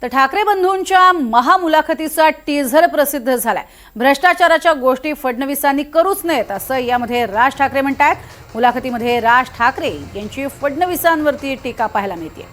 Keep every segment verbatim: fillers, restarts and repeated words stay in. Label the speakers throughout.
Speaker 1: तर ठाकरे बंधूंच्या महामुलाखतीचा टीझर प्रसिद्ध झालाय। भ्रष्टाचाराच्या गोष्टी फडणवीसांनी करूच नयेत असं यामध्ये राज ठाकरे म्हणतात। मुलाखतीमध्ये राज ठाकरे यांची फडणवीसांवरती टीका पाहायला मिळते।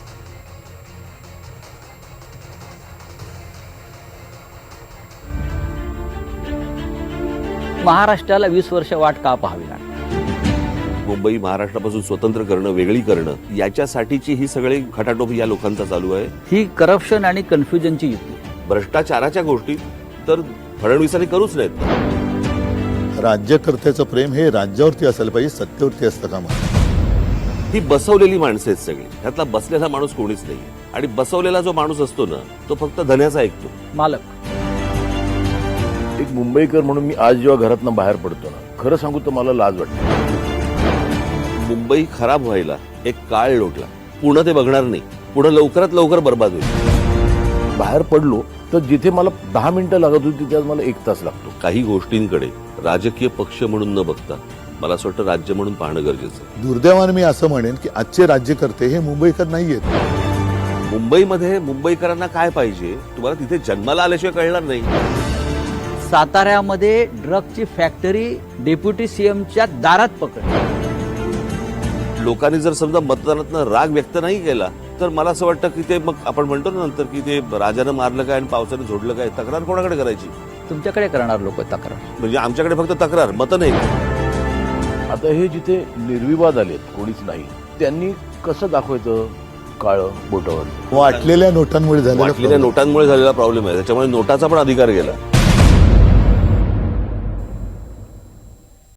Speaker 2: महाराष्ट्राला वीस वर्ष वाट का पाहावी लागली?
Speaker 3: मुंबई महाराष्ट्रापासून स्वतंत्र करणं, वेगळी करणं, याच्यासाठीची ही सगळी खटाटोप या लोकांचा चालू आहे।
Speaker 2: ही करप्शन आणि कन्फ्युजनची युती आहे।
Speaker 3: भ्रष्टाचाराच्या गोष्टी तर फडणवीसांनी करूच नाहीत।
Speaker 4: राज्यकर्त्याचं प्रेम हे राज्यावरती असायला पाहिजे, सत्तेवरती असतं का?
Speaker 3: ही बसवलेली माणसं आहेत सगळी, त्यातला बसलेला माणूस कोणीच नाही। आणि बसवलेला जो माणूस असतो ना, तो फक्त धन्याचा ऐकतो।
Speaker 2: मालक
Speaker 5: एक मुंबईकर म्हणून मी आज जेव्हा घरातनं बाहेर पडतो ना, खरं सांगू तर मला लाज वाटते।
Speaker 3: मुंबई खराब व्हायला एक काळ लोटला, पुढं ते बघणार नाही, पुढं लवकरात लवकर बर्बाद होईल।
Speaker 5: बाहेर पडलो तर जिथे मला दहा मिनिटं लागत होती त्यात मला एक तास लागतो।
Speaker 3: काही गोष्टींकडे राजकीय पक्ष म्हणून न बघता मला असं वाटतं राज्य म्हणून पाहणं गरजेचं आहे।
Speaker 4: दुर्दैवाने मी असं म्हणेन की आजचे राज्यकर्ते हे मुंबईकर नाहीयेत।
Speaker 3: मुंबईमध्ये मुंबईकरांना काय पाहिजे तुम्हाला तिथे जन्माला आल्याशिवाय कळणार नाही।
Speaker 2: साताऱ्यामध्ये ड्रगची फॅक्टरी डेप्युटी सीएमच्या दारात पकडली।
Speaker 3: लोकांनी जर समजा मतदानातनं राग व्यक्त नाही केला तर मला असं वाटतं की ते मग आपण म्हणतो ना नंतर की ते राजानं मारलं काय आणि पावसानं झोडलं काय, तक्रार कोणाकडे करायची?
Speaker 2: तुमच्याकडे करणार लोक तक्रार।
Speaker 3: म्हणजे आमच्याकडे फक्त तक्रार, मतं नाही।
Speaker 5: आता हे जिथे निर्विवाद आलेत, कोणीच नाही, त्यांनी कसं दाखवायचं काळं बोटावर?
Speaker 4: वाटलेल्या नोटांमुळे झालेला
Speaker 3: वाटलेल्या नोटांमुळे झालेला प्रॉब्लेम आहे, त्याच्यामुळे नोटाचा पण अधिकार गेला।